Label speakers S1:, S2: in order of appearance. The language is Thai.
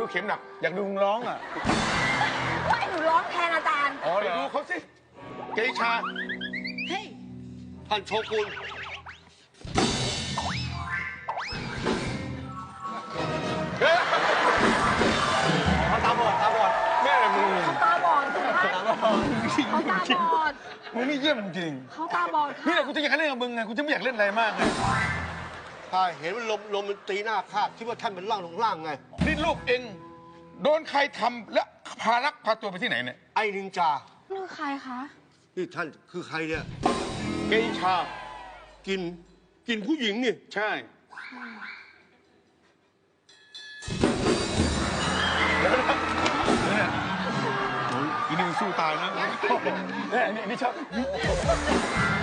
S1: เข็มหนักอยากดูมึงร้องอ่ะ
S2: ว่าหนูร้องแทนอาจารย์
S1: อ๋อเดี๋ยวดูเขาสิเกชา
S2: เฮ้ย
S3: ท่านโชกุนเขาตาบอด
S1: แม่มึง
S2: เขาตาบอดใช่ไหมเขาตาบอด
S1: มึงนี่เยี่ยมจริง
S2: เขาตาบอด
S1: นี่แห
S2: ค่ะ
S1: ละกูจะอยากเล่นกับมึงไงกูจะไม่อยากเล่นอะไรมากเลย
S3: ข้าเห็นว่าลมมันตีหน้าข้าคิดว่าท่านเป็นร่างลงล่างไง
S1: นี่ลูกเองโดนใครทำและพารักพาตัวไปที่ไหนเนี่ย
S3: ไอ้นินจา
S2: นี่ใครคะ
S3: นี่ท่านคือใครเนี่ย
S1: เกชา
S3: กินผู้หญิงนี่
S1: ใช่อีนี่มันสู้ตายนะนี่ชอบ